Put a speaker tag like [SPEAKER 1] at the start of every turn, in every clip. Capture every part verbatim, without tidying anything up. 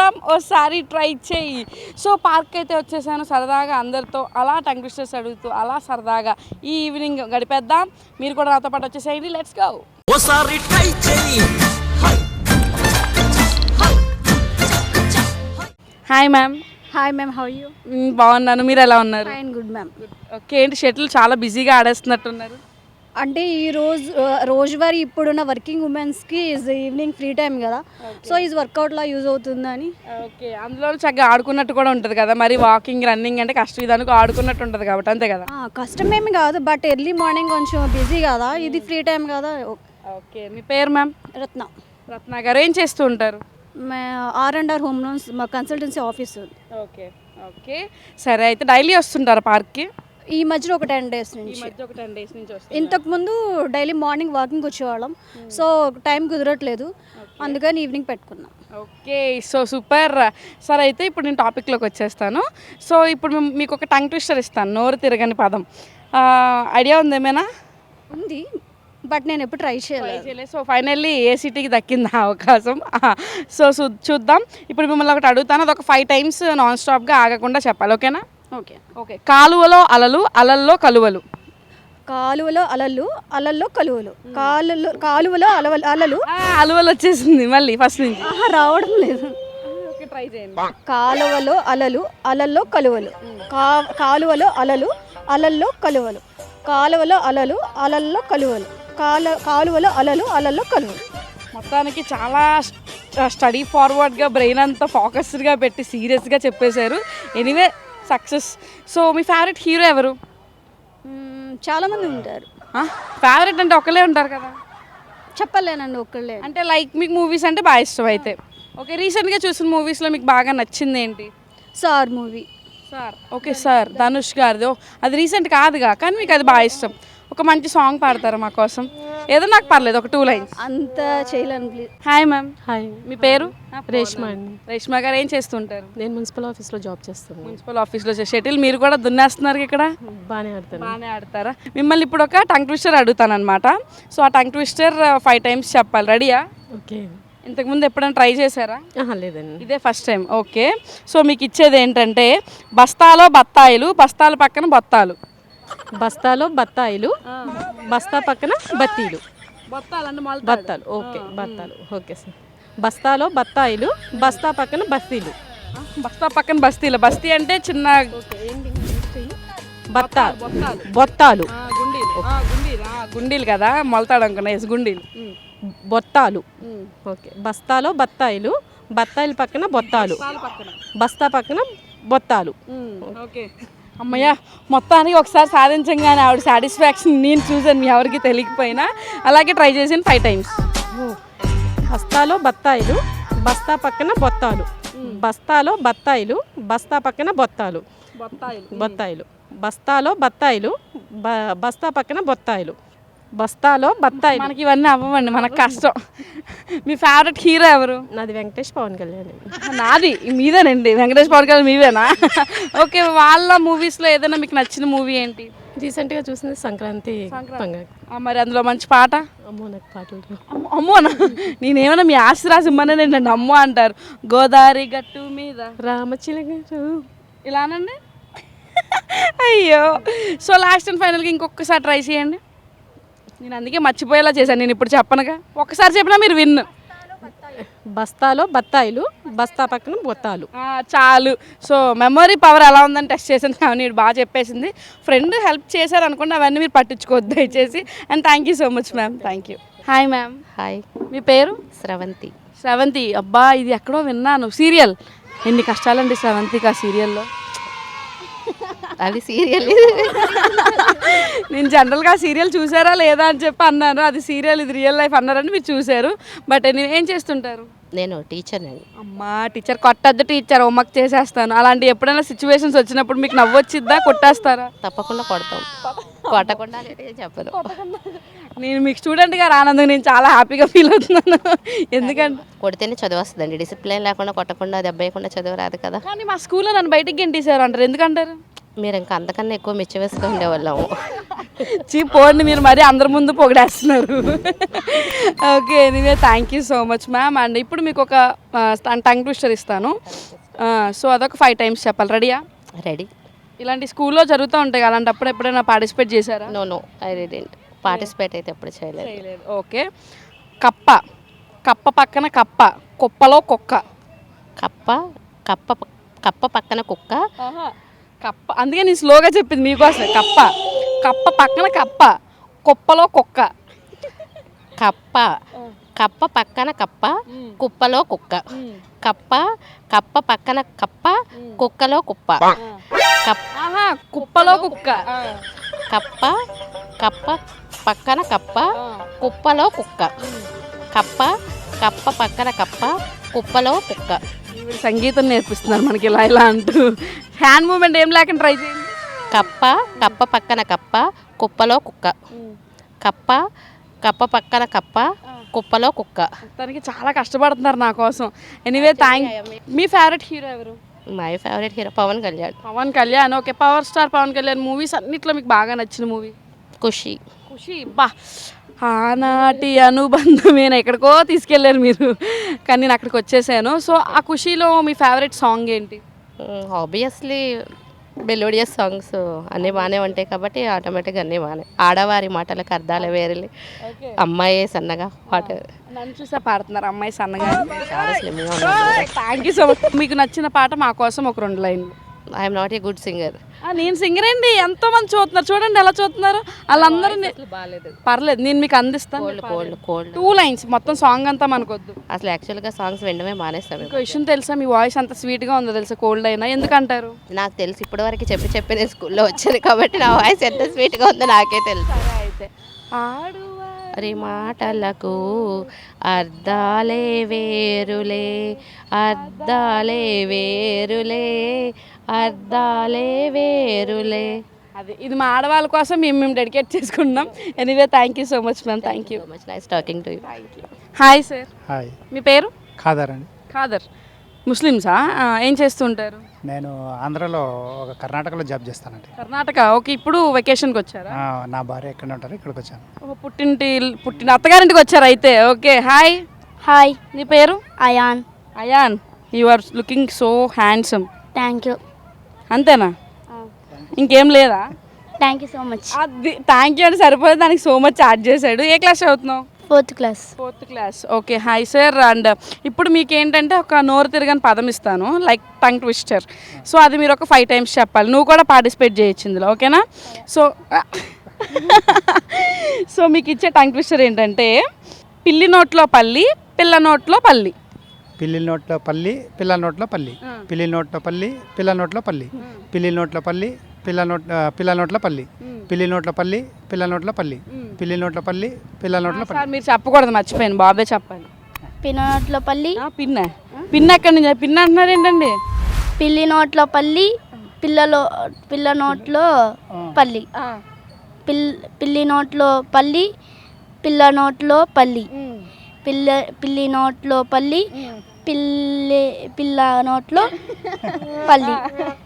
[SPEAKER 1] మాత్రం ఓసారి ట్రై చేయి. సో పార్క్ అయితే వచ్చేసాను సరదాగా అందరితో అలా టంగ్ ట్విస్టర్స్ అడుగుతూ అలా సరదాగా ఈ ఈవినింగ్ గడిపేద్దాం. మీరు కూడా నాతో పాటు వచ్చేసేయండి. Let's go.
[SPEAKER 2] ఓసారి ట్రై చేయి.
[SPEAKER 1] Hi ma'am.
[SPEAKER 3] Hi ma'am, how you?
[SPEAKER 1] బాగున్నాను, మీరు ఎలా ఉన్నారు?
[SPEAKER 3] Fine, good ma'am.
[SPEAKER 1] ఓకే, ఏంటి షటిల్ చాలా బిజీగా ఆడేస్తున్నట్టున్నారు.
[SPEAKER 3] అంటే ఈ రోజు రోజువారీ ఇప్పుడున్న వర్కింగ్ ఉమెన్స్కి ఈజ్ ఈవినింగ్ ఫ్రీ టైం కదా, సో ఈజ్ వర్కౌట్లా యూజ్ అవుతుందని.
[SPEAKER 1] ఓకే, అందులో చక్కగా ఆడుకున్నట్టు కూడా ఉంటుంది కదా, మరి వాకింగ్ రన్నింగ్ అంటే కష్టం, ఇది అనుకో ఆడుకున్నట్టు ఉంటుంది కాబట్టి అంతే కదా.
[SPEAKER 3] కష్టమేమి కాదు, బట్ ఎర్లీ మార్నింగ్ కొంచెం బిజీ కదా, ఇది ఫ్రీ టైం కదా.
[SPEAKER 1] ఓకే, మీ పేరు మ్యామ్?
[SPEAKER 3] రత్న.
[SPEAKER 1] రత్న గారు ఏం చేస్తూ ఉంటారు?
[SPEAKER 3] మా R and R home loans మా కన్సల్టెన్సీ ఆఫీస్.
[SPEAKER 1] ఓకే ఓకే సరే, అయితే డైలీ వస్తుంటారా పార్క్కి?
[SPEAKER 3] ఈ మధ్యలో ఒక టెన్ డేస్ నుంచి.
[SPEAKER 1] ఒక టెన్ డేస్ నుంచి వస్తుంది.
[SPEAKER 3] ఇంతకుముందు డైలీ మార్నింగ్ వాకింగ్ వచ్చేవాళ్ళం, సో టైం కుదరట్లేదు, అందుకని ఈవినింగ్ పెట్టుకున్నాం.
[SPEAKER 1] Okay, so super. సరే, అయితే ఇప్పుడు నేను టాపిక్లోకి వచ్చేస్తాను. సో ఇప్పుడు మేము మీకు ఒక టంగ్ ట్విస్టర్ ఇస్తాను, నోరు తిరగని పదం. ఐడియా ఉంది ఏమైనా?
[SPEAKER 3] ఉంది, బట్ నేను ఎప్పుడు ట్రై చేయలేదు.
[SPEAKER 1] సో ఫైనల్లీ ఏ సిటీకి దక్కింది ఆ అవకాశం. సో చూద్దాం. ఇప్పుడు మిమ్మల్ని ఒకటి అడుగుతాను, అది ఒక ఫైవ్ టైమ్స్ నాన్ స్టాప్గా ఆగకుండా చెప్పాలి, ఓకేనా?
[SPEAKER 3] Okay
[SPEAKER 1] okay. కాలువలో అలలు, అలల్లో కలువలు.
[SPEAKER 3] కాలువలో అలలు, అలల్లో కలువలు. కాలులో కాలువలో అలవలు అలలు
[SPEAKER 1] అలువలు వచ్చేసింది మళ్ళీ ఫస్ట్ నుంచి.
[SPEAKER 3] రావడం లేదు.
[SPEAKER 1] ఓకే, ట్రై చేయండి.
[SPEAKER 3] కాలువలో అలలు, అలల్లో కలువలు. కా కాలువలో అలలు, అలల్లో కలువలు. కాలువలో అలలు, అలల్లో కలువలు. కాల కాలువలో అలలు, అలల్లో కలువలు.
[SPEAKER 1] మొత్తానికి చాలా స్టడీ ఫార్వర్డ్గా బ్రెయిన్ అంతా ఫోకస్డ్గా పెట్టి సీరియస్గా చెప్పేశారు. Anyway success. సో మీ ఫేవరెట్ హీరో ఎవరు?
[SPEAKER 3] చాలామంది ఉంటారు.
[SPEAKER 1] ఫేవరెట్ అంటే ఒకళ్ళే ఉంటారు కదా?
[SPEAKER 3] చెప్పలేనండి, ఒక్కళ్ళే.
[SPEAKER 1] అంటే లైక్ మీకు మూవీస్ అంటే బాగా ఇష్టం అయితే. ఓకే, రీసెంట్గా చూసిన మూవీస్లో మీకు బాగా నచ్చింది ఏంటి?
[SPEAKER 3] Sir movie.
[SPEAKER 1] Sir, okay sir, Dhanush గారిది. అది రీసెంట్ కాదుగా, కానీ మీకు అది బాగా ఇష్టం. ఒక మంచి సాంగ్ పాడతారా మా కోసం? ఏదో నాకు పర్లేదు, ఒక టూ లైన్స్.
[SPEAKER 3] అంత చేయలేను ప్లీజ్.
[SPEAKER 1] Hi ma'am.
[SPEAKER 4] హాయ్,
[SPEAKER 1] మీ పేరు?
[SPEAKER 4] రేష్మా అండి.
[SPEAKER 1] రేష్మా గారు ఏం చేస్తుంటారు?
[SPEAKER 4] నేను మున్సిపల్ ఆఫీస్లో జాబ్ చేస్తాను.
[SPEAKER 1] మున్సిపల్ ఆఫీస్లో షటిల్ మీరు కూడా దున్నేస్తున్నారు ఇక్కడ?
[SPEAKER 4] బాగానే ఆడతాను.
[SPEAKER 1] బాగానే ఆడతారా? మిమ్మల్ని ఇప్పుడు ఒక టంగ్ ట్విస్టర్ అడుగుతాను అనమాట. సో ఆ టంగ్ ట్విస్టర్ ఫైవ్ టైమ్స్ చెప్పాలి, రెడీయా?
[SPEAKER 4] ఓకే.
[SPEAKER 1] ఇంతకుముందు ఎప్పుడైనా ట్రై చేశారా?
[SPEAKER 4] లేదండి,
[SPEAKER 1] ఇదే ఫస్ట్ టైం. ఓకే, సో మీకు ఇచ్చేది ఏంటంటే బస్తాలో బత్తాయిలు, బస్తాల పక్కన బొత్తాలు.
[SPEAKER 4] బస్తాలో బత్తాయిలు, బస్తా పక్కన బత్తీలు.
[SPEAKER 1] బొత్తాలు
[SPEAKER 4] బత్తాలు, ఓకే, బత్తాలు. Okay sir. బస్తాలో బత్తాయిలు, బస్తా పక్కన బస్తీలు.
[SPEAKER 1] బస్తా పక్కన బస్తీలు. బస్తీ అంటే చిన్న
[SPEAKER 4] బత్తాలు, బొత్తాలు.
[SPEAKER 1] గుండీలు కదా, మొలతాడు అనుకున్నా. ఎస్, గుండీలు.
[SPEAKER 4] బొత్తాలు. ఓకే, బస్తాలో బత్తాయిలు, బత్తాయిల పక్కన బొత్తాలు, బస్తా పక్కన బొత్తాలు.
[SPEAKER 1] ఓకే, అమ్మయ్య, మొత్తానికి ఒకసారి సాధించగానే ఆవిడ సాటిస్ఫాక్షన్ నేను చూసాను, మీ ఎవరికి తెలియకపోయినా. అలాగే ట్రై చేసాను ఫైవ్ టైమ్స్.
[SPEAKER 4] బస్తాలో బత్తాయిలు, బస్తా పక్కన బొత్తాలు. బస్తాలో బత్తాయిలు, బస్తా పక్కన బొత్తాలు. బొత్తాయిలు. బస్తాలో బత్తాయిలు, బస్తా పక్కన బొత్తాయిలు. బస్తాలో బత్తాయిలు.
[SPEAKER 1] మనకి ఇవన్నీ అవ్వండి, మనకు కష్టం. మీ ఫేవరెట్ హీరో ఎవరు?
[SPEAKER 4] నాది వెంకటేష్ పవన్ కళ్యాణ్.
[SPEAKER 1] నాది మీదేనండి, వెంకటేష్ పవన్ కళ్యాణ్ మీవేనా? ఓకే, వాళ్ళ మూవీస్లో ఏదైనా మీకు నచ్చిన మూవీ ఏంటి?
[SPEAKER 4] రీసెంట్గా చూసింది సంక్రాంతి పండుగ.
[SPEAKER 1] మరి అందులో మంచి పాట?
[SPEAKER 4] అమ్మో, నాకు పాటలు.
[SPEAKER 1] అమ్మోనా? నేనేమన్నా మీ ఆశీర్వాసం ఇమ్మనే నన్ను అమ్మో అంటారు. గోదావరి గట్టు మీద
[SPEAKER 4] రామచిలక
[SPEAKER 1] ఇలానండి. అయ్యో, సో లాస్ట్ అండ్ ఫైనల్గా ఇంకొకసారి ట్రై చేయండి. నేను అందుకే మర్చిపోయేలా చేశాను, నేను ఇప్పుడు చెప్పనుగా. ఒక్కసారి చెప్పినా మీరు విన్.
[SPEAKER 4] బస్తాలో బత్తాయిలు, బస్తా పక్కన బొత్తాలు.
[SPEAKER 1] చాలు. సో మెమరీ పవర్ ఎలా ఉందని టెస్ట్ చేశాను, కానీ బాగా చెప్పేసింది. ఫ్రెండ్ హెల్ప్ చేశారు అనుకోండి, అవన్నీ మీరు పట్టించుకోవద్దు దయచేసి. And thank you so much ma'am. Thank you. Hi ma'am.
[SPEAKER 5] Hi,
[SPEAKER 1] మీ పేరు?
[SPEAKER 5] స్రవంతి.
[SPEAKER 1] స్రవంతి, అబ్బా ఇది ఎక్కడో విన్నాను. సీరియల్ ఎన్ని కష్టాలండి స్రవంతికి ఆ సీరియల్లో.
[SPEAKER 5] అది సీరియల్.
[SPEAKER 1] నేను జనరల్గా సీరియల్ చూసారా లేదా అని చెప్పి అన్నాను, అది సీరియల్ ఇది రియల్ లైఫ్ అన్నారని మీరు చూశారు. బట్ నేను ఏం చేస్తుంటారు?
[SPEAKER 5] నేను టీచర్ అండి.
[SPEAKER 1] అమ్మా టీచర్, కొట్టద్దు టీచర్, హోంవర్క్ చేసేస్తాను. అలాంటి ఎప్పుడైనా సిచ్యువేషన్స్ వచ్చినప్పుడు మీకు నవ్వు వచ్చిద్దా, కొట్టేస్తారా?
[SPEAKER 5] తప్పకుండా కొడతాం, కొట్టకుండా చెప్పదు.
[SPEAKER 1] నేను మీకు స్టూడెంట్గా రానందుకు నేను చాలా హ్యాపీగా ఫీల్ అవుతున్నాను. ఎందుకంటే
[SPEAKER 5] కొడితేనే చదువు వస్తుందండి, డిసిప్లిన్ లేకుండా కొట్టకుండా దెబ్బ వేయకుండా చదువు రాదు కదా.
[SPEAKER 1] కానీ మా స్కూల్లో నన్ను బయటికి గెంటేశారు అంటారు, ఎందుకంటారు?
[SPEAKER 5] మీరు ఇంకా అంతకన్నా ఎక్కువ మెచ్చి వేసుకుని ఉండేవాళ్ళము.
[SPEAKER 1] చీ పోండి, మీరు మరి అందరి ముందు పొగిడేస్తున్నారు. Okay, anyway thank you so much ma'am. And ఇప్పుడు మీకు ఒక టంగ్ ట్విస్టర్ ఇస్తాను. సో అదొక ఫైవ్ టైమ్స్ చెప్పాలి. రెడీయా?
[SPEAKER 5] రెడీ.
[SPEAKER 1] ఇలాంటి స్కూల్లో జరుగుతూ ఉంటాయి, అలాంటప్పుడు ఎప్పుడైనా పార్టిసిపేట్ చేశారా?
[SPEAKER 5] No no I didn't participate అయితే ఎప్పుడు చేయలేదు.
[SPEAKER 1] చేయలేదు. ఓకే. కప్ప, కప్ప పక్కన కప్ప, కుప్పలో కుక్క.
[SPEAKER 5] కప్ప కప్ప ప- కప్ప పక్కన కుక్క.
[SPEAKER 1] కప్ప, అందుకే నేను స్లోగా చెప్పింది మీకోసం. కప్ప, కప్ప పక్కన కప్ప, కుప్పలో కుక్క.
[SPEAKER 5] కప్ప కప్ప పక్కన కప్ప, కుప్పలో కుక్క. కప్ప కప్ప పక్కన కప్ప, కుక్కలో కుప్ప. కప్ప
[SPEAKER 1] ఆహా, కుప్పలో కుక్క.
[SPEAKER 5] కప్ప కప్ప పక్కన కప్ప, కుప్పలో కుక్క. కప్ప కప్ప పక్కన కప్ప, కుప్పలో కుక్క.
[SPEAKER 1] ఈవిడ సంగీతం నేర్పిస్తున్నారు మనకి ఇలా ఇలా అంటూ. హ్యాండ్ మూమెంట్ ఏం లేకుండా ట్రై చేయండి.
[SPEAKER 5] కప్ప కప్ప పక్కన కప్ప, కుప్పలో కుక్క. కప్ప కప్ప పక్కన కప్ప, కుప్పలో కుక్క.
[SPEAKER 1] తనకి చాలా కష్టపడుతున్నారు నా కోసం. Anyway thank. మీ ఫేవరెట్ హీరో ఎవరు?
[SPEAKER 5] My favourite hero Pawan Kalyan.
[SPEAKER 1] Pawan Kalyan. Okay, power star Pawan Kalyan movies అన్నిట్లో మీకు బాగా నచ్చిన మూవీ?
[SPEAKER 5] ఖుషి.
[SPEAKER 1] ఖుషి. బా, ఆనాటి అనుబంధమేనా, ఎక్కడికో తీసుకెళ్ళారు మీరు, కానీ నేను అక్కడికి వచ్చేసాను. సో ఆ ఖుషీలో మీ ఫేవరెట్ సాంగ్ ఏంటి?
[SPEAKER 5] ఆబ్వియస్లీ మెలోడియస్ సాంగ్స్ అన్నీ బాగానే ఉంటాయి కాబట్టి ఆటోమేటిక్గా అన్నీ బాగానే. ఆడవారి మాటలకు అర్థాలు వేరే, అమ్మాయి సన్నగా పాట
[SPEAKER 1] నన్ను చూసా పాడుతున్నారు అమ్మాయి సన్నగా.
[SPEAKER 5] చాలా స్లిమ్గా ఉన్నారు.
[SPEAKER 1] Thank you so much. మీకు నచ్చిన పాట మా కోసం ఒక రెండు లైన్లు.
[SPEAKER 5] I'm not a good singer.
[SPEAKER 1] నేను సింగర్ అండి, ఎంతో మంది చూస్తున్నారు, చూడండి ఎలా చూస్తున్నారు వాళ్ళందరూ.
[SPEAKER 5] బాగాలేదు.
[SPEAKER 1] పర్లేదు, నేను మీకు అందిస్తాను.
[SPEAKER 5] Cold cold cold
[SPEAKER 1] two lines, మొత్తం సాంగ్ అంతా మనకొద్దు.
[SPEAKER 5] అసలు యాక్చువల్గా సాంగ్స్ వినడమే మానేస్తాం.
[SPEAKER 1] ఇంకో విషయం తెలుసా, మీ వాయిస్ అంత స్వీట్గా ఉందో తెలుసా, కోల్డ్ అయినా. ఎందుకంటారు?
[SPEAKER 5] నాకు తెలుసు, ఇప్పటి వరకు చెప్పి చెప్పి నేను స్కూల్లో వచ్చాను కాబట్టి నా వాయిస్ ఎంత స్వీట్గా ఉందో నాకే తెలుసు.
[SPEAKER 1] అయితే
[SPEAKER 5] అరే మాటలకు అర్థాలే వేరులే, అర్థాలే వేరులే, అర్థాలే వేరులే.
[SPEAKER 1] అది ఇది మా ఆడవాళ్ళ కోసం మేము మేము డెడికేట్ చేసుకుంటున్నాం. Anyway thank you so much ma'am. Thank you.
[SPEAKER 5] So much nice talking to you.
[SPEAKER 1] Hi sir.
[SPEAKER 6] Hi.
[SPEAKER 1] మీ పేరు?
[SPEAKER 6] ఖాదర్ అండి.
[SPEAKER 1] ఖాదర్. ముస్లిమ్సా? ఆ, ఏం చేస్తుంటారు?
[SPEAKER 6] నేను ఆంధ్రాలో ఒక కర్ణాటకలో జాబ్ చేస్తానండి.
[SPEAKER 1] కర్ణాటక. ఓకే, ఇప్పుడు వెకేషన్కి వచ్చారా?
[SPEAKER 6] ఆ, నా భార్య ఎక్కడ ఉంటారు, ఇక్కడికి వచ్చాను.
[SPEAKER 1] ఓ, పుట్టింటి పుట్టిన అత్తగారింటికి వచ్చారు అయితే. Okay, hi.
[SPEAKER 3] హాయ్,
[SPEAKER 1] నీ పేరు?
[SPEAKER 3] Ayaan.
[SPEAKER 1] Ayaan, you are looking so handsome.
[SPEAKER 3] Thank you.
[SPEAKER 1] అంతేనా? ఇంకేం లేదా?
[SPEAKER 3] Thank you so much.
[SPEAKER 1] అది థ్యాంక్ యూ అని సరిపోతే దానికి సో మచ్ యాడ్ చేశాడు. ఏ క్లాస్ చదువుతున్నావు?
[SPEAKER 3] Fourth class.
[SPEAKER 1] Fourth class. Okay, hi sir. And ఇప్పుడు మీకు ఏంటంటే ఒక నోరు తిరగని పదం ఇస్తాను, లైక్ టంగ్ ట్విస్టర్. సో అది మీరు ఒక ఫైవ్ టైమ్స్ చెప్పాలి. నువ్వు కూడా పార్టిసిపేట్ చేయొచ్చు ఇందులో, ఓకేనా? సో సో మీకు ఇచ్చే టంగ్ ట్విస్టర్ ఏంటంటే, పిల్లి నోట్లో పల్లి, పిల్ల నోట్లో పల్లి.
[SPEAKER 6] పిల్లి నోట్లో పల్లి, పిల్ల నోట్లో పల్లి. పిల్లి నోట్లో పల్లి, పిల్ల నోట్లో పల్లి. పిల్లి నోట్లో పల్లి, పిల్ల నోట్ పిల్ల నోట్లో పల్లి. పిల్లి నోట్లో పల్లి, పిల్ల నోట్లో పల్లి. పిల్లి నోట్లో పల్లి, పిల్ల నోట్లో పల్లి.
[SPEAKER 1] సార్ మీరు చెప్పకూడదు, మర్చిపోయాను, బాబే చెప్పాలి.
[SPEAKER 3] పిన్నోట్లో పల్లి.
[SPEAKER 1] ఆ, పిన్న పిన్న ఎక్కడి నుంచి పిన్న అంటున్నారు ఏంటండి?
[SPEAKER 3] పిల్లి నోట్లో పల్లి, పిల్లలో పిల్ల నోట్లో పల్లి. పిల్ పిల్లి నోట్లో పల్లి, పిల్ల నోట్లో పల్లి. పిల్ల పిల్లి నోట్లో పల్లి, పిల్లి పిల్ల నోట్లో పల్లి.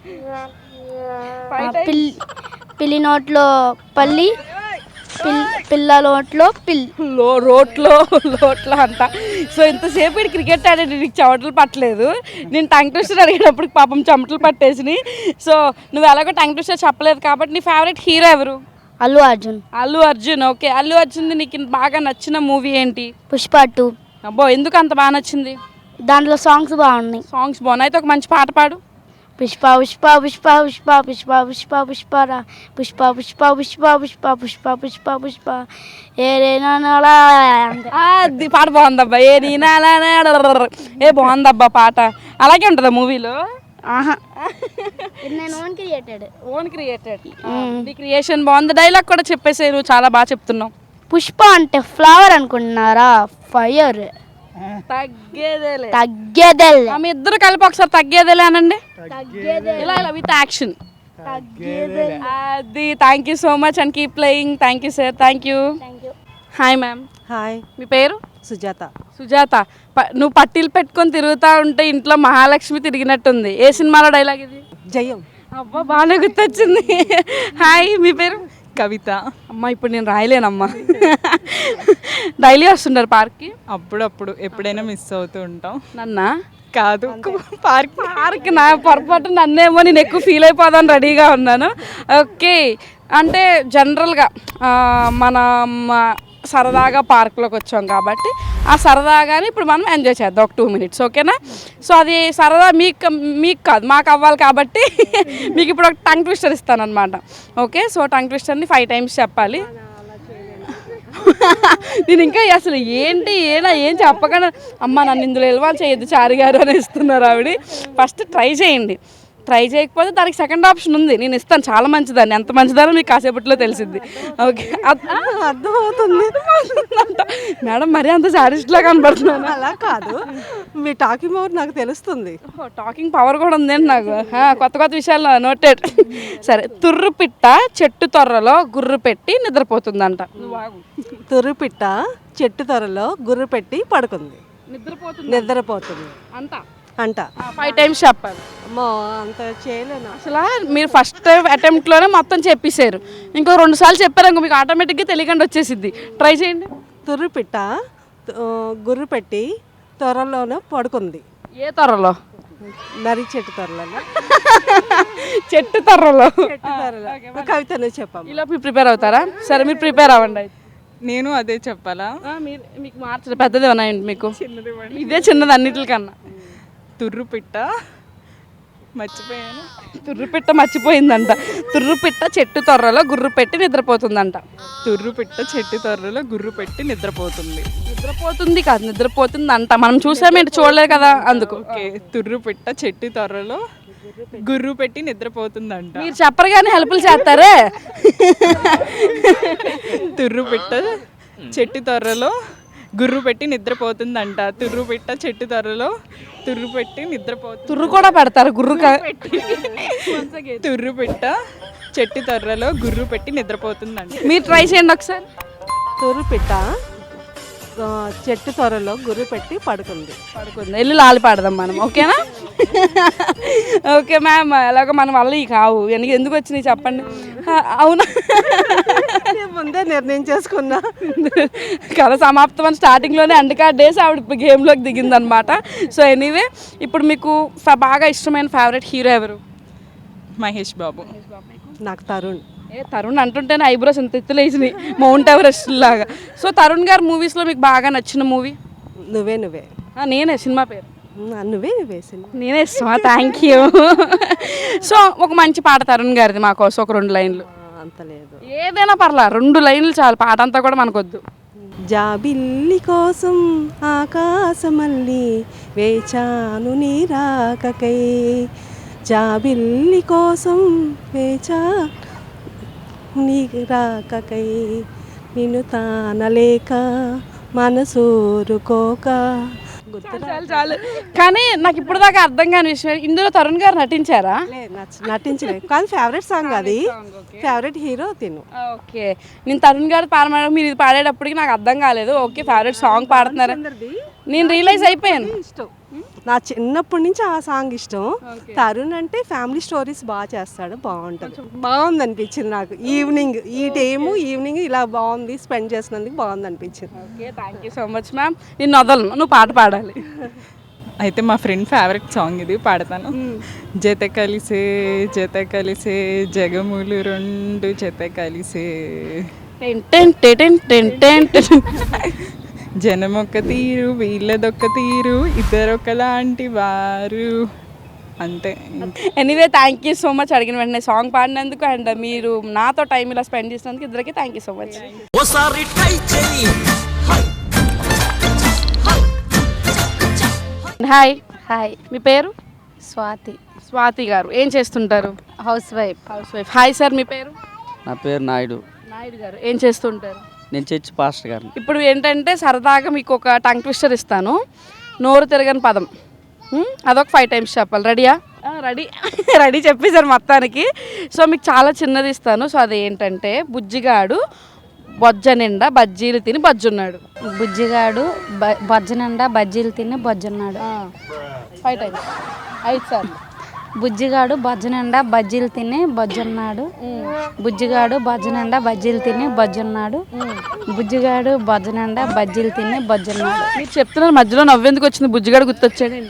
[SPEAKER 3] పిల్లి పిల్లి నోట్లో పల్లి, పిల్ పిల్ల నోట్లో పిల్లి.
[SPEAKER 1] లో రోట్లో లోట్లో అంట. సో ఇంతసేపు ఇటు క్రికెట్ ఆడేది నీకు చెమటలు పట్టలేదు. నేను టంగ్ ట్విస్టర్ అడిగేటప్పుడు పాపం చెమటలు పట్టేసినాయి. సో నువ్వు ఎలాగో టంగ్ ట్విస్టర్ చెప్పలేదు కాబట్టి నీ ఫేవరెట్ హీరో ఎవరు?
[SPEAKER 3] అల్లు అర్జున్.
[SPEAKER 1] అల్లు అర్జున్. ఓకే, అల్లు అర్జున్ నీకు బాగా నచ్చిన మూవీ ఏంటి?
[SPEAKER 3] పుష్ప టూ.
[SPEAKER 1] అబ్బో, ఎందుకు అంత బాగా నచ్చింది?
[SPEAKER 3] దాంట్లో సాంగ్స్ బాగున్నాయి.
[SPEAKER 1] సాంగ్స్ బాగున్నాయి. అయితే ఒక మంచి పాట పాడు.
[SPEAKER 3] పుష్ప పుష్ప పుష్ప పుష్ప పుష్ప పుష్ప పుష్పరా పుష్ప పుష్ప పుష్ప పుష్ప పుష్ప పుష్ప పుష్ప ఏరేనా
[SPEAKER 1] అది పాట బాగుందబ్బా. ఏ నీనా ఏ బాగుందబ్బా పాట. అలాగే ఉంటుందా మూవీలో?
[SPEAKER 3] ఆహా, నేను ఓన్ క్రియేటెడ్.
[SPEAKER 1] Own created. నీ క్రియేషన్ బాగుంది. డైలాగ్ కూడా చెప్పేసే, నువ్వు చాలా బాగా చెప్తున్నావు.
[SPEAKER 3] పుష్ప అంటే ఫ్లవర్ అనుకుంటున్నారా? ఫైర్.
[SPEAKER 1] తగ్గేదేలే.
[SPEAKER 3] తగ్గేదేలే.
[SPEAKER 1] ఆమె ఇద్దరు కలిపి ఒకసారి తగ్గేదేలే అనండి. ఇలా ఇలా విత్ యాక్షన్. అది. Thank you so much and keep playing. Thank you sir. Thank you. Hi ma'am.
[SPEAKER 4] Hi,
[SPEAKER 1] మీ పేరు?
[SPEAKER 4] సుజాత.
[SPEAKER 1] సుజాత. ప- నువ్వు పట్టీలు పెట్టుకొని తిరుగుతూ ఉంటే ఇంట్లో మహాలక్ష్మి తిరిగినట్టుంది. ఏ సినిమాలో డైలాగ్ ఇది?
[SPEAKER 4] జయం.
[SPEAKER 1] అబ్బా, బాగానే గుర్తొచ్చింది. హాయ్, మీ పేరు?
[SPEAKER 7] కవిత.
[SPEAKER 1] అమ్మ ఇప్పుడు నేను రాయలేనమ్మా. డైలీ వస్తుంటారు పార్క్కి?
[SPEAKER 7] అప్పుడప్పుడు ఎప్పుడైనా మిస్ అవుతూ ఉంటాం.
[SPEAKER 1] నన్నా?
[SPEAKER 7] కాదు, పార్క్.
[SPEAKER 1] పార్క్ నా పొరపాటు నన్నేమో నేను ఎక్కువ ఫీల్ అయిపోదాను రెడీగా ఉన్నాను. ఓకే, అంటే జనరల్గా మనం సరదాగా పార్క్లోకి వచ్చాం కాబట్టి ఆ సరదాగానే ఇప్పుడు మనం ఎంజాయ్ చేద్దాం ఒక టూ మినిట్స్, ఓకేనా? సో అది సరదా మీకు మీకు కాదు మాకు అవ్వాలి కాబట్టి మీకు ఇప్పుడు ఒక టంగ్ ట్విస్టర్ ఇస్తాను అనమాట. ఓకే, సో టంగ్ ట్విస్టర్ని ఫైవ్ టైమ్స్ చెప్పాలి. నేను ఇంకా అసలు ఏంటి ఏనా ఏం చెప్పకుండా అమ్మ నన్ను ఇందులో ఎలవాలి చేయొద్దు చారి గారు అని ఇస్తున్నారు ఆవిడ. ఫస్ట్ ట్రై చేయండి, ట్రై చేయకపోతే దానికి సెకండ్ ఆప్షన్ ఉంది, నేను ఇస్తాను. చాలా మంచిదాన్ని, ఎంత మంచిదానో మీకు కాసేపట్లో తెలిసింది. ఓకే, అర్థమవుతుంది అంట మేడం. మరీ అంత సాడిస్ట్లా కనబడుతున్నాను.
[SPEAKER 8] అలా కాదు, మీ టాకింగ్ పవర్ నాకు తెలుస్తుంది.
[SPEAKER 1] టాకింగ్ పవర్ కూడా ఉందండి నాకు, కొత్త కొత్త విషయాలు నోటెడ్. సరే, తుర్రు పిట్ట చెట్టు తొర్రలో గుర్రు పెట్టి నిద్రపోతుందంట.
[SPEAKER 8] తుర్రు పిట్ట చెట్టు త్వరలో గుర్రు పెట్టి పడుకుంది,
[SPEAKER 1] నిద్రపోతుంది
[SPEAKER 8] నిద్రపోతుంది
[SPEAKER 1] అంట
[SPEAKER 8] అంట.
[SPEAKER 1] ఫైవ్ టైమ్స్ చెప్పాలి.
[SPEAKER 8] అమ్మో అంత చేయలేను.
[SPEAKER 1] అసలు మీరు ఫస్ట్ అటెంప్ట్లోనే మొత్తం చెప్పేశారు, ఇంకో రెండు సార్లు చెప్పారు ఇంకో మీకు ఆటోమేటిక్గా తెలియకుండా వచ్చేసిద్ది. ట్రై చేయండి.
[SPEAKER 8] తుర్రు పిట్ట ఆ, గుర్రు పెట్టి త్వరలోనే పడుకుంది.
[SPEAKER 1] ఏ తొర్రలో?
[SPEAKER 8] నరి చెట్టు త్వరలో
[SPEAKER 1] చెట్టు తొర్రలో.
[SPEAKER 8] చెట్టు త్వరలో కవితను చెప్పాము.
[SPEAKER 1] ఇలా మీరు ప్రిపేర్ అవుతారా? సరే మీరు ప్రిపేర్ అవ్వండి అయితే.
[SPEAKER 7] నేను అదే చెప్పాలా?
[SPEAKER 1] మీరు మీకు మార్చలేదు, పెద్దది ఉన్నాయండి మీకు. ఇదే చిన్నది అన్నిటికన్నా.
[SPEAKER 7] తుర్రు పిట్ట మర్చిపోయాను.
[SPEAKER 1] తుర్రు పిట్ట మర్చిపోయిందంట. తుర్రు పిట్ట చెట్టు తొర్రలో గుర్రు పెట్టి నిద్రపోతుందంట.
[SPEAKER 7] తుర్రు పిట్ట చెట్టు త్వరలో గుర్రు పెట్టి నిద్రపోతుంది.
[SPEAKER 1] నిద్రపోతుంది కాదు, నిద్రపోతుంది అంట. మనం చూసామేంటి, చూడలేదు కదా అందుకు.
[SPEAKER 7] ఓకే, తుర్రు పిట్ట చెట్టు త్వరలో గుర్రు పెట్టి నిద్రపోతుందంట.
[SPEAKER 1] మీరు చెప్పరు కానీ హెల్ప్లు చేస్తారే.
[SPEAKER 7] తుర్రు పిట్ట చెట్టు త్వరలో గుర్రు పెట్టి నిద్రపోతుందంట. తుర్రు పిట్ట చెట్టు త్వరలో తుర్రు పెట్టి నిద్రపోతుంది.
[SPEAKER 1] తుర్రు కూడా పెడతారు గుర్రు
[SPEAKER 7] తుర్రు పిట్ట చెట్టు త్వరలో గుర్రు పెట్టి నిద్రపోతుందంట.
[SPEAKER 1] మీరు ట్రై చేయండి ఒకసారి.
[SPEAKER 8] తుర్రు పిట్ట ఆ, చెట్టు త్వరలో గుర్రు పెట్టి పడుకుంది.
[SPEAKER 1] పడుకుంది. వెళ్ళి లాలి పాడదాం మనం, ఓకేనా? ఓకే మ్యామ్, ఎలాగో మన వల్ల ఈ కావు ఎందుకు ఎందుకు వచ్చినాయి చెప్పండి. అవునా,
[SPEAKER 8] నేను ముందే నిర్ణయం చేసుకున్నా.
[SPEAKER 1] కథ సమాప్తం అని స్టార్టింగ్లోనే అండకా డేస్ ఆవిడ గేమ్లోకి దిగిందనమాట. సో ఎనీవే, ఇప్పుడు మీకు ఫ- బాగా ఇష్టమైన ఫేవరెట్ హీరో ఎవరు?
[SPEAKER 7] మహేష్ బాబు.
[SPEAKER 8] నాకు తరుణ్.
[SPEAKER 1] ఏ తరుణ్ అంటుంటేనే ఐబ్రోస్ ఎంత ఎత్తులేసినాయి, మౌంట్ ఎవరెస్ట్ లాగా. సో తరుణ్ గారి మూవీస్లో మీకు బాగా నచ్చిన మూవీ?
[SPEAKER 8] నువ్వే నువ్వే
[SPEAKER 1] నేనే, సినిమా పేరు
[SPEAKER 8] ఉమ్, నువ్వే నువ్వే సినిమా.
[SPEAKER 1] నేనే ఇష్టమా? Thank you. సో ఒక మంచి పాట తరుణ్ గారిది మా కోసం ఒక రెండు లైన్లు.
[SPEAKER 8] ఆ, అంత లేదు.
[SPEAKER 1] ఏదైనా పర్లా, రెండు లైన్లు చాలు, పాట అంతా కూడా మనకొద్దు.
[SPEAKER 8] జాబిల్లి కోసం ఆకాశమల్లి వేచాను నీ రాకకై, జాబిల్లి కోసం వేచా నీ రాకకై, నిన్ను తానలేక మనసూరుకోక.
[SPEAKER 1] చాలు చాలు. కానీ నాకు ఇప్పుడు దాకా అర్థం కాని విషయం, ఇందులో తరుణ్ గారు నటించారా?
[SPEAKER 8] నటించలేదు, కానీ ఫేవరెట్ సాంగ్ అది, ఫేవరెట్ హీరో తిను.
[SPEAKER 1] ఓకే, నేను తరుణ్ గారు పాడమడం మీరు ఇది పాడేటప్పటికి నాకు అర్థం కాలేదు. ఓకే, ఫేవరెట్ సాంగ్ పాడుతున్నారు నేను రియలైజ్ అయిపోయాను.
[SPEAKER 8] ఇష్టం, నా చిన్నప్పటి నుంచి ఆ సాంగ్ ఇష్టం. తరుణ్ అంటే ఫ్యామిలీ స్టోరీస్ బాగా చేస్తాడు, బాగుంటుంది, బాగుంది అనిపించింది నాకు. ఈవినింగ్ ఈ టైము ఈవినింగ్ ఇలా బాగుంది స్పెండ్ చేసినందుకు బాగుంది అనిపించింది.
[SPEAKER 1] Okay, thank you so much ma'am. నేను వదలను, నువ్వు పాట పాడాలి.
[SPEAKER 7] అయితే మా ఫ్రెండ్ ఫేవరెట్ సాంగ్ ఇది పాడతాను. జత కలిసే జత కలిసే జగములు రెండు జత కలిసే,
[SPEAKER 1] ten ten ten ten ten ten.
[SPEAKER 7] జనమొక్క తీరు వీళ్ళదొక్క తీరు ఇద్దరొకలాంటి వారు, అంతే.
[SPEAKER 1] Anyway thank you so much, అడిగిన వెంటనే సాంగ్ పాడినందుకు అండ్ మీరు నాతో టైం ఇలా స్పెండ్ చేసినందుకు ఇద్దరికి థ్యాంక్ యూ సో మచ్.
[SPEAKER 2] ఓసారి ట్రై చేయి.
[SPEAKER 1] హాయ్,
[SPEAKER 5] హాయ్,
[SPEAKER 1] మీ పేరు?
[SPEAKER 5] స్వాతి,
[SPEAKER 1] స్వాతి గారు. ఏం చేస్తుంటారు?
[SPEAKER 5] Housewife.
[SPEAKER 1] Housewife. Hi sir, మీ పేరు?
[SPEAKER 9] నా పేరు నాయుడు.
[SPEAKER 1] నాయుడు గారు. ఏం చేస్తుంటారు?
[SPEAKER 9] నేను చర్చి పాస్టర్ గారిని.
[SPEAKER 1] ఇప్పుడు ఏంటంటే సరదాగా మీకు ఒక టంగ్ ట్విస్టర్ ఇస్తాను, నోరు తిరగని పదం. హ్మ్? అదొక ఫైవ్ టైమ్స్ చెప్పాలి. రెడీయా? రెడీ రెడీ చెప్పేశారు మొత్తానికి. సో మీకు చాలా చిన్నది ఇస్తాను. సో అది ఏంటంటే, బుజ్జిగాడు బొజ్జ నిండా బజ్జీలు తిని బజ్జున్నాడు.
[SPEAKER 10] బుజ్జిగాడు బొజ్జ నిండా బజ్జీలు తిని బొజ్జున్నాడు.
[SPEAKER 1] ఫైవ్ టైమ్స్, ఐదు సార్లు.
[SPEAKER 10] బుజ్జిగాడు బజ్జనిండా బజ్జీలు తిని బజ్జున్నాడు బుజ్జిగాడు బజ్జనిండా బజ్జీలు తిని బజ్జున్నాడు బుజ్జిగాడు బజ్జనిండా బజ్జీలు తిని బజ్జున్నాడు.
[SPEAKER 1] మీరు చెప్తున్నారు మధ్యలో నవ్వెందుకు వచ్చింది? బుజ్జిగాడు గుర్తొచ్చాడండి.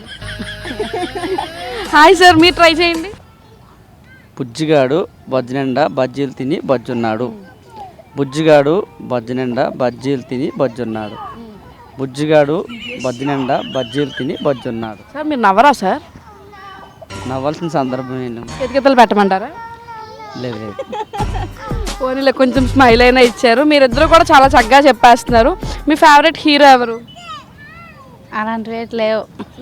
[SPEAKER 1] హాయ్ సార్, మీరు ట్రై చేయండి.
[SPEAKER 9] బుజ్జిగాడు బజ్జినిండా బజ్జీలు తిని బజ్జున్నాడు. బుజ్జిగాడు బజ్జినిండా బజ్జీలు తిని బజ్జున్నాడు. బుజ్జిగాడు బజ్జినిండా బజ్జీలు తిని బజ్జున్నాడు.
[SPEAKER 1] సార్ మీరు నవ్వరా సార్?
[SPEAKER 9] నవ్వాల్సిన సందర్భం ఏం లేదు.
[SPEAKER 1] ఎతికెత్తలు పెట్టమంటారా?
[SPEAKER 9] లేదు లేదు.
[SPEAKER 1] పోనీలో కొంచెం స్మైల్ అయినా ఇచ్చారు. మీరిద్దరు కూడా చాలా చక్కగా చెప్పేస్తున్నారు. మీ ఫేవరెట్ హీరో ఎవరు?
[SPEAKER 10] అలాంటివి లేవు.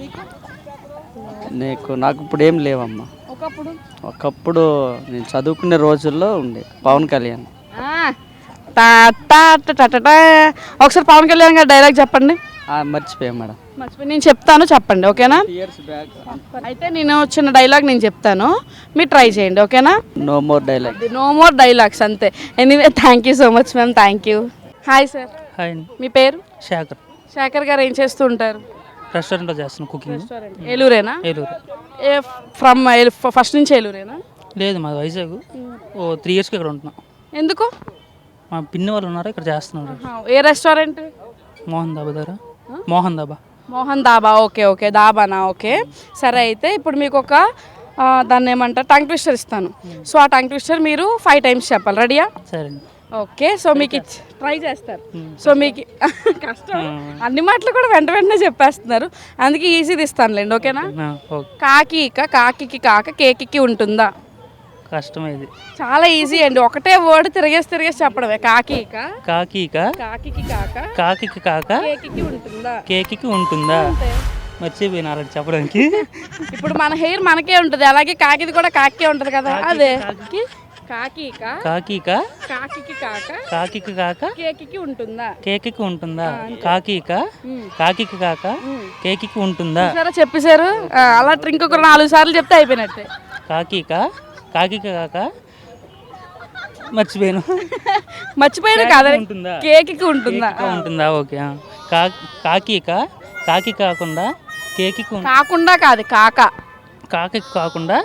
[SPEAKER 9] నీకు నాకు ఇప్పుడు ఏం లేవమ్మా.
[SPEAKER 1] ఒకప్పుడు
[SPEAKER 9] ఒకప్పుడు నేను చదువుకునే రోజుల్లో ఉండే పవన్ కళ్యాణ్.
[SPEAKER 1] టా టా టా టా టా టా. ఒకసారి పవన్ కళ్యాణ్ గారి డైలాగ్ చెప్పండి.
[SPEAKER 9] మర్చిపోయా మేడం.
[SPEAKER 1] మర్చిపోయి నేను చెప్తాను, చెప్పండి ఓకేనా?
[SPEAKER 9] Years back.
[SPEAKER 1] అయితే నేను చిన్న డైలాగ్ నేను చెప్తాను, మీరు ట్రై చేయండి ఓకేనా?
[SPEAKER 9] No more dialogue.
[SPEAKER 1] No more dialogues అంతే. Anyway thank you so much ma'am, thank you. Hi sir,
[SPEAKER 11] hi అండి.
[SPEAKER 1] మీ పేరు?
[SPEAKER 11] శేఖర్.
[SPEAKER 1] శేఖర్ గారు ఏం చేస్తూ ఉంటారు?
[SPEAKER 11] రెస్టారెంట్లో చేస్తున్నాను కుకింగ్.
[SPEAKER 1] ఏలూరేనా?
[SPEAKER 11] ఏలూరు.
[SPEAKER 1] ఏ ఫ్రమ్ ఫస్ట్ నుంచి ఏలూరేనా?
[SPEAKER 11] లేదు మాది వైజాగ్. ఓ త్రీ ఇయర్స్కి ఇక్కడ ఉంటున్నాం.
[SPEAKER 1] ఎందుకు?
[SPEAKER 11] మా పిన్ని వాళ్ళు ఉన్నారు ఇక్కడ చేస్తున్నారు.
[SPEAKER 1] ఏ రెస్టారెంట్?
[SPEAKER 11] మోహన్ దాబా దగ్గర. మోహన్ దాబా.
[SPEAKER 1] మోహన్ దాబా. ఓకే ఓకే, దాబానా? ఓకే సరే. అయితే ఇప్పుడు మీకు ఒక ఆ, దాన్ని ఏమంటారు, టంగ్ ట్విస్టర్ ఇస్తాను. సో ఆ టంగ్ ట్విస్టర్ మీరు ఫైవ్ టైమ్స్ చెప్పాలి. రెడీయా?
[SPEAKER 11] సరే అండి.
[SPEAKER 1] ఓకే, సో మీకు ఇచ్చి ట్రై చేస్తారు. సో మీకు కష్టం, అన్ని మాటలు కూడా వెంట వెంటనే చెప్పేస్తున్నారు, అందుకే ఈజీది ఇస్తానులేండి ఓకేనా?
[SPEAKER 11] ఓకే.
[SPEAKER 1] కాకి ఇక కాకికి కాక కేకికి ఉంటుందా?
[SPEAKER 11] కష్టమైంది.
[SPEAKER 1] చాలా ఈజీ అండి, ఒకటే వర్డ్ తిరిగేసి తిరిగేసి చెప్పడమే. కాకి ఇక
[SPEAKER 11] కాకి ఇక
[SPEAKER 1] కాకికి కాక
[SPEAKER 11] కాకికి కాక
[SPEAKER 1] కేకికి ఉంటుందా?
[SPEAKER 11] కేకికి ఉంటుందా? మర్చిపోయిన అలాంటి చెప్పడానికి.
[SPEAKER 1] ఇప్పుడు మన హెయిర్ మనకే ఉంటుంది, అలాగే కాకిది కూడా కాకే ఉంటుంది కదా. అదే కాకి ఇక
[SPEAKER 11] కాకి ఇక
[SPEAKER 1] కాకికి కాక
[SPEAKER 11] కాకికి కాక
[SPEAKER 1] కేకికి ఉంటుందా?
[SPEAKER 11] కేకికి ఉంటుందా? కాకి ఇక కాకికి కాక కేకికి ఉంటుందా?
[SPEAKER 1] సరే చెప్పేశారు. ఆ, అలా ఇంకొక నాలుగు సార్లు చెప్తే అయిపోయినట్టే.
[SPEAKER 11] కాకి ఇక కాకికి కాక మర్చిపోయాను.
[SPEAKER 1] మర్చిపోయాను కాదా?
[SPEAKER 11] ఉంటుందా?
[SPEAKER 1] కేకికి ఉంటుందా?
[SPEAKER 11] కేకికి ఉంటుందా? ఓకే. కా కాకి ఇక కాకి కాకుండా కేకికి ఉం-
[SPEAKER 1] కాకుండా కాదు, కాక
[SPEAKER 11] కాకి కాకుండా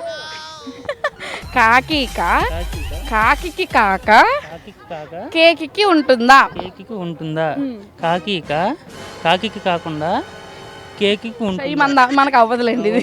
[SPEAKER 1] కాకి ఇక కాకికి కాక
[SPEAKER 11] కాకికి కాక
[SPEAKER 1] కేకికి ఉంటుందా?
[SPEAKER 11] కేకికి ఉంటుందా? కాకి ఇక కాకికి కాకుండా కేకికి
[SPEAKER 1] ఈ
[SPEAKER 11] ఉంటుందా?
[SPEAKER 1] మన మనకు అవ్వదులేండి ఇది.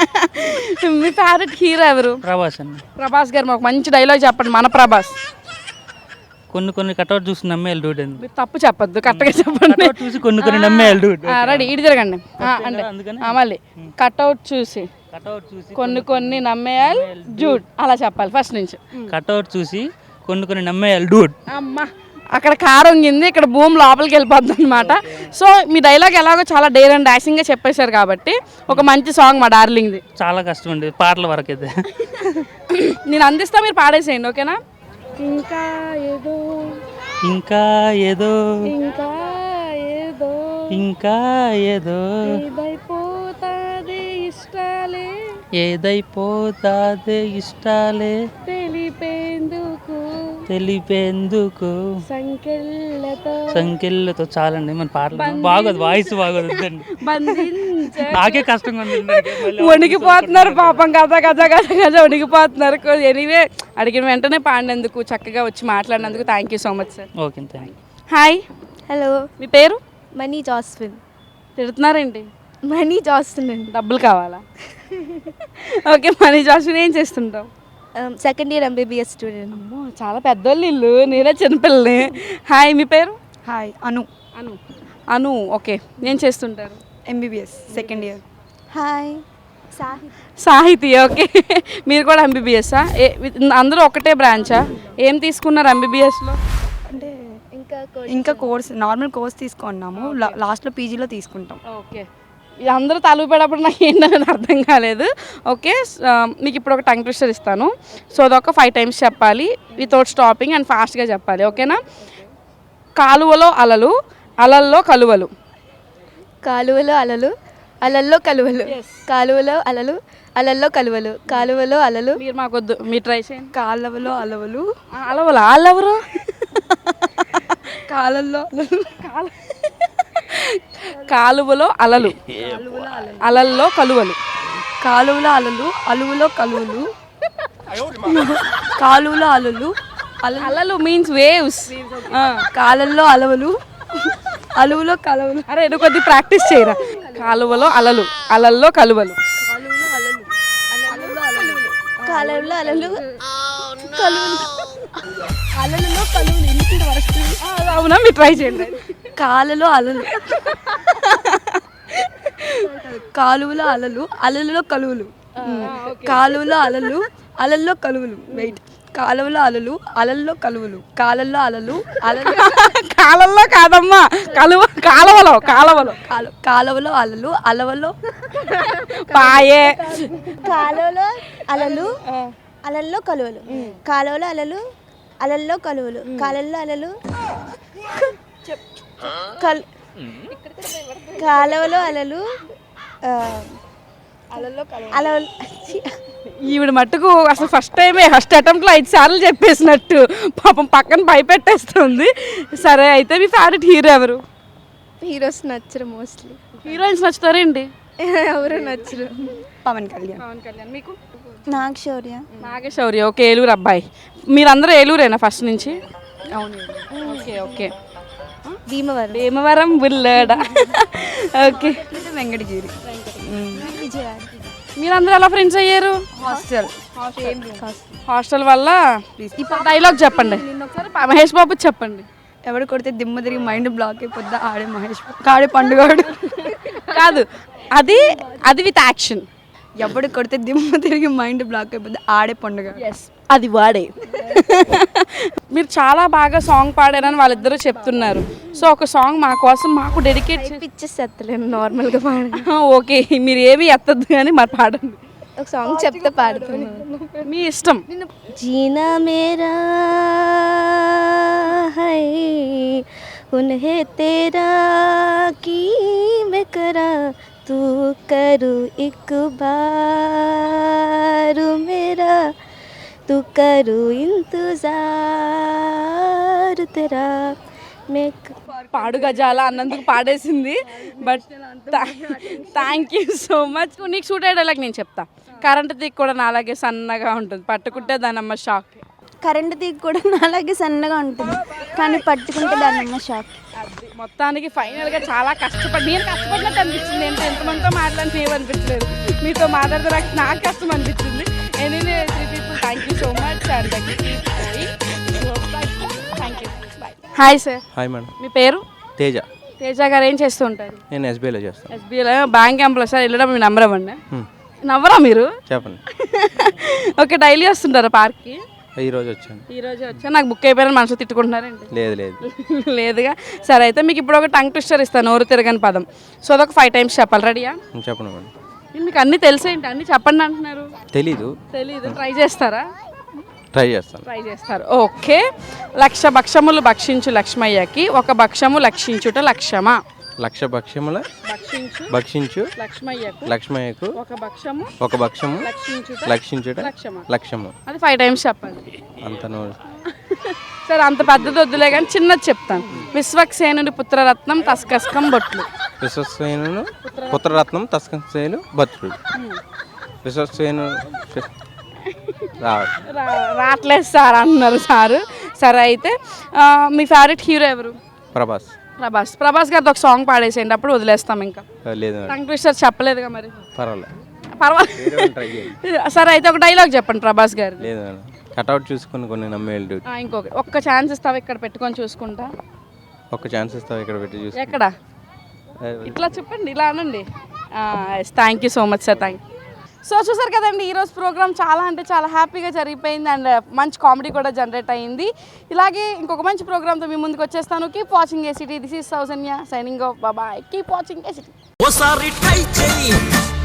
[SPEAKER 1] మీ ఫేవరెట్ హీరో ఎవరు?
[SPEAKER 11] ప్రభాస్ అండి.
[SPEAKER 1] ప్రభాస్ గారు, మాకు మంచి డైలాగ్ చెప్పండి. మన ప్రభాస్.
[SPEAKER 11] కొన్ని కొన్ని కట్అవుట్ చూసి నమ్మేయాలి డూడ్ అండి.
[SPEAKER 1] మీరు తప్పు చెప్పొద్దు, కరెక్ట్గా చెప్పండి.
[SPEAKER 11] కట్అవుట్ చూసి కొన్ని కొన్ని నమ్మేయాలి డూడ్.
[SPEAKER 1] రెడీ, ఇటు తిరగండి. ఆ, అంటే
[SPEAKER 11] అందుకని
[SPEAKER 1] ఆ, మళ్ళీ కట్అవుట్ చూసి
[SPEAKER 11] కట్అవుట్ చూసి
[SPEAKER 1] కొన్ని కొన్ని నమ్మేయాలి జూడ్, అలా చెప్పాలి ఫస్ట్ నుంచి.
[SPEAKER 11] కట్అవుట్ చూసి కొన్ని కొన్ని నమ్మేయాలి డూడ్.
[SPEAKER 1] అమ్మా, అక్కడ కారు వంగింది, ఇక్కడ భూమి లోపలికి వెళ్ళిపోద్ది అనమాట. సో మీ డైలాగ్ ఎలాగో చాలా డేర్ అండ్ డాషింగ్గా చెప్పేశారు కాబట్టి ఒక మంచి సాంగ్ మా డార్లింగ్ది.
[SPEAKER 11] చాలా కష్టం అండి పాటల వరకు అయితే.
[SPEAKER 1] నేను అందిస్తా, మీరు పాడేసేయండి ఓకేనా? ఇంకా ఏదో
[SPEAKER 11] ఇంకా ఏదో
[SPEAKER 1] ఇంకా ఏదో
[SPEAKER 11] ఇంకా ఏదో
[SPEAKER 1] ఇదైపోతాది ఇష్టాలే
[SPEAKER 11] ఏదైపోతాదే ఇష్టాలే
[SPEAKER 1] తెలిపేందుకు
[SPEAKER 11] తెలిపేందుకు
[SPEAKER 1] సంకెళ్ళతో
[SPEAKER 11] సంఖ్యలతో చాలండి మన పాటలు బాగోదు, వాయిస్ బాగోదు వద్దండి.
[SPEAKER 1] బంధించ
[SPEAKER 11] నాకే కష్టంగా ఉంది ఇందాకే. మళ్ళీ
[SPEAKER 1] వణికిపోతున్నారు పాపం, గజ గజ గజ గజ వణికిపోతున్నారు. ఎనీవే అడిగిన వెంటనే పాడినందుకు, చక్కగా వచ్చి మాట్లాడినందుకు thank you so much sir.
[SPEAKER 11] Okay thank you.
[SPEAKER 1] Hi,
[SPEAKER 3] hello,
[SPEAKER 1] మీ పేరు?
[SPEAKER 3] మనీ జాస్విన్.
[SPEAKER 1] తిడుతున్నారేంటి?
[SPEAKER 3] మనీ జాస్విన్ అండి.
[SPEAKER 1] డబ్బులు కావాలా? ఓకే, మనీ జాస్మిన్ ఏం చేస్తుంటావు?
[SPEAKER 3] Second year MBBS student.
[SPEAKER 1] అమ్మో, చాలా పెద్దోళ్ళు ఇల్లు, నేనే చిన్నపిల్లని. హాయ్, మీ పేరు?
[SPEAKER 7] హాయ్ అను.
[SPEAKER 1] అను. అను, ఓకే. ఏం చేస్తుంటారు?
[SPEAKER 7] MBBS second year.
[SPEAKER 3] Hi, Sahith.
[SPEAKER 1] Sahithi, okay. మీరు కూడా ఎంబీబీఎస్సా? ఏ అందరూ ఒకటే బ్రాంచా? ఏం తీసుకున్నారు ఎంబీబీఎస్లో?
[SPEAKER 3] అంటే ఇంకా
[SPEAKER 7] ఇంకా కోర్స్ నార్మల్ కోర్స్ తీసుకున్నాము, లాస్ట్లో పీజీలో తీసుకుంటాం.
[SPEAKER 1] ఓకే, ఇది అందరూ తలుపు పెడప్పుడు నాకు ఏంటనేది అర్థం కాలేదు. ఓకే, మీకు ఇప్పుడు ఒక టంగ్ ట్విస్టర్ ఇస్తాను. సో అదొక ఫైవ్ టైమ్స్ చెప్పాలి వితౌట్ స్టాపింగ్ అండ్ ఫాస్ట్గా చెప్పాలి ఓకేనా? కాలువలో అలలు, అలల్లో కలువలు.
[SPEAKER 3] కాలువలో అలలు, అలల్లో కలువలు. కాలువలో అలలు, అలల్లో కలువలు. కాలువలో అలలు.
[SPEAKER 1] మీరు మాకొద్దు, మీరు ట్రై చేయండి.
[SPEAKER 7] కాలువలో అలవలు.
[SPEAKER 1] అలవలు అల్లెవరు?
[SPEAKER 7] కాలల్లో
[SPEAKER 1] కాలు కాలువలో అలలు, అలల్లో కలువలు.
[SPEAKER 12] కాలువలో అలలు అలువులో కలువులు కాలువలో అలలు
[SPEAKER 1] అలలు మీన్స్ వేవ్స్.
[SPEAKER 12] కాలల్లో అలవలు అలువులో కలవలు.
[SPEAKER 1] అరే నువ్వు కొద్ది ప్రాక్టీస్ చేయరా. కాలువలో అలలు అలల్లో కలువలు.
[SPEAKER 3] కాలువలో అలలు కలువలు అలలలో కలువలు ఇంటి వరకు.
[SPEAKER 1] అవునా, మీరు ట్రై చేయండి.
[SPEAKER 12] కాలలో అలలు కాలువలో అలలు అలలలో కలువులు కాలువలో అలలు అలల్లో కలువులు వెయిట్ కాలువలో అలలు అలల్లో కలువులు కాలల్లో అలలు అలలు
[SPEAKER 1] కాలంలో కాదమ్మా, కలువ కాలువలో కాలువలో
[SPEAKER 12] కాలు కాలువలో అలలు అలవలో
[SPEAKER 1] పాయే.
[SPEAKER 3] కాలువలో అలలు అలల్లో కలువలు కాలువలో అలలు అలల్లో కలువలు కాలల్లో అలలు కల్ కాలువలో అలలు అలల్లో అలలు.
[SPEAKER 1] ఈవిడ మట్టుకు అసలు ఫస్ట్ టైమే ఫస్ట్ అటెంప్ట్లో ఐదు సార్లు చెప్పేసినట్టు పాపం పక్కన భయపెట్టేస్తుంది. సరే అయితే మీ ఫేవరెట్ హీరో ఎవరు?
[SPEAKER 3] హీరోస్ నచ్చరు మోస్ట్లీ.
[SPEAKER 1] హీరోయిన్స్ నచ్చుతారేంటి?
[SPEAKER 3] ఎవరు నచ్చరు.
[SPEAKER 12] పవన్ కళ్యాణ్.
[SPEAKER 1] పవన్ కళ్యాణ్. మీకు?
[SPEAKER 3] నాగ్ శౌర్య.
[SPEAKER 1] నాగశౌర్య. ఓకే, ఏలూరు అబ్బాయి. మీరందరూ ఏలూరేనా ఫస్ట్ నుంచి? అవును. Okay okay.
[SPEAKER 3] భీమవరం.
[SPEAKER 1] భీమవరం బుల్లడ. ఓకే.
[SPEAKER 12] వెంకటగిరి.
[SPEAKER 3] విజయవాడ.
[SPEAKER 1] మీరందరూ ఎలా ఫ్రెండ్స్ అయ్యారు?
[SPEAKER 12] హాస్టల్.
[SPEAKER 1] హాస్టల్ వల్ల. ఇప్పుడు డైలాగ్ చెప్పండి. ఒకసారి మహేష్ బాబు చెప్పండి.
[SPEAKER 12] ఎవడు కొడితే దిమ్మ తిరిగి మైండ్ బ్లాక్ అయిపోద్దా ఆడే మహేష్ కాడే పండుగాడు.
[SPEAKER 1] కాదు, అది అది విత్ యాక్షన్.
[SPEAKER 12] ఎవడు కొడితే దిమ్మ తిరిగి మైండ్ బ్లాక్ అయిపోద్ది ఆడే పండుగ.
[SPEAKER 1] ఎస్, అది వాడే. మీరు చాలా బాగా సాంగ్ పాడారని వాళ్ళిద్దరూ చెప్తున్నారు. సో ఒక సాంగ్ మా కోసం మాకు డెడికేట్
[SPEAKER 3] పిచ్చేసి ఎత్తలేను, నార్మల్గా పాడండి.
[SPEAKER 1] ఓకే, మీరు ఏవి ఎత్తద్దు కానీ మరి పాడండి.
[SPEAKER 3] ఒక సాంగ్ చెప్తే పాడుతున్నాను.
[SPEAKER 1] మీ ఇష్టం.
[SPEAKER 3] జీనా మేరా హై ఉన్హే తేరా కీ మే కరా तू करू एक बार मेरा तू करू इंतजार तेरा మే.
[SPEAKER 1] పాడు గజాల అన్నందుకు పాడేసింది. But thank you so much. నీకు షూట్ అయ్యేలాగా నేను చెప్తా. కరెంట్ తీగ కూడా నాలాగే సన్నగా ఉంటుంది, పట్టుకుంటే దానమ్మ షాక్.
[SPEAKER 3] కరెంట్ తీగ కూడా అలాగే సన్నగా ఉంటుంది కానీ పట్టుకుంటే దానమ్మ షాక్.
[SPEAKER 1] అది మొత్తానికి ఫైనల్గా చాలా కష్టపడి నేను కష్టపడినట్టు అనిపించింది. ఏంటో ఎంతమందితో మాట్లాడితే ఏమనిపించలేదు, మీతో మాట్లాడితే నాకు నాకు కష్టం అనిపించింది. Anyway three people thank you so much. And thank you. Bye. Hi sir.
[SPEAKER 13] Hi madam.
[SPEAKER 1] మీ పేరు?
[SPEAKER 13] తేజ.
[SPEAKER 1] తేజ గారు ఏం చేస్తూ ఉంటారు?
[SPEAKER 13] నేను ఎస్బీఐలో చేస్తాను.
[SPEAKER 1] ఎస్బీఐలో బ్యాంక్ ఎంప్లాయ్ సార్. వెళ్ళడం మీ నెంబర్ ఇవ్వండి. నవ్వరా మీరు?
[SPEAKER 13] చెప్పండి.
[SPEAKER 1] ఓకే, డైలీ వస్తుంటారా పార్క్కి?
[SPEAKER 13] ఈ రోజు వచ్చాను.
[SPEAKER 1] ఈ రోజు వచ్చా. నాకు బుక్ అయిపోయిన మనసు తిట్టుకుంటున్నారండి?
[SPEAKER 13] లేదు లేదు
[SPEAKER 1] లేదుగా. సరే అయితే మీకు ఇప్పుడు ఒక టంగ్ ట్విస్టర్ ఇస్తాను, నోరు తిరగని పదం. సో అదొక ఫైవ్ టైమ్స్ చెప్పాలి. రెడీయా?
[SPEAKER 13] చెప్పండి మేడం.
[SPEAKER 1] మీకు అన్నీ తెలిసేంటి? అన్నీ చెప్పండి అంటున్నారు.
[SPEAKER 13] తెలీదు.
[SPEAKER 1] తెలీదు. ట్రై చేస్తారా?
[SPEAKER 13] ట్రై చేస్తాను.
[SPEAKER 1] ట్రై చేస్తారు. ఓకే. లక్ష భక్షములు భక్షించు లక్ష్మయ్యకి ఒక భక్షము లక్షించుట లక్ష్యమా?
[SPEAKER 13] లక్ష భక్ష్యముల
[SPEAKER 1] భక్షించు
[SPEAKER 13] భక్షించు
[SPEAKER 1] లక్ష్మయ్యకు
[SPEAKER 13] లక్ష్మయ్యకు
[SPEAKER 1] ఒక భక్షము
[SPEAKER 13] ఒక భక్షము
[SPEAKER 1] లక్షించుట
[SPEAKER 13] లక్షించుట
[SPEAKER 1] లక్ష్యమా?
[SPEAKER 13] లక్ష్యము.
[SPEAKER 1] అది ఫైవ్ టైమ్స్ చెప్పాలి.
[SPEAKER 13] అంత
[SPEAKER 1] సరే, అంత పెద్దది వద్దులే కానీ చిన్నది చెప్తాను. విశ్వక్సేనుడి పుత్రరత్నం తస్కస్కం బొట్లు.
[SPEAKER 13] విశ్వక్సేను పుత్రరత్నం తస్కస్కేను బొట్లు. విశ్వక్సేను
[SPEAKER 1] రావట్లేదు సార్ అంటున్నారు సారు. సరే అయితే మీ ఫేవరెట్ హీరో ఎవరు?
[SPEAKER 13] ప్రభాస్.
[SPEAKER 1] ప్రభాస్. ప్రభాస్ గారితో ఒక సాంగ్ పాడేసేయండి, అప్పుడు వదిలేస్తాం. ఇంకా
[SPEAKER 13] లేదు
[SPEAKER 1] టంగ్ ట్విస్టర్ చెప్పలేదుగా మరి.
[SPEAKER 13] పర్వాలేదు
[SPEAKER 1] పర్వాలేదు. సరే అయితే ఒక డైలాగ్ చెప్పండి ప్రభాస్ గారు.
[SPEAKER 13] లేదు మేడం, కట్అవుట్ చూసుకుని కొన్ని నమ్మేళ్ళు.
[SPEAKER 1] ఇంకొక ఒక్క ఛాన్స్ ఇస్తావా? ఇక్కడ పెట్టుకొని చూసుకుంటా.
[SPEAKER 13] ఒక్క ఛాన్స్ ఇస్తావా? ఇక్కడ పెట్టి చూసుకుంటా.
[SPEAKER 1] ఎక్కడ? ఇట్లా చెప్పండి, ఇలా అనండి. Thank you so much sir. Thank you. So చూసారు కదండి, ఈరోజు ప్రోగ్రామ్ చాలా అంటే చాలా హ్యాపీగా జరిగిపోయింది అండ్ మంచి కామెడీ కూడా జనరేట్ అయ్యింది. ఇలాగే ఇంకొక మంచి ప్రోగ్రామ్తో మీ ముందుకు వచ్చేస్తాను. Keep watching ACT. This is Soujanya signing off. Bye. Keep watching ACT.
[SPEAKER 2] ఓసారి ట్రై చేయి.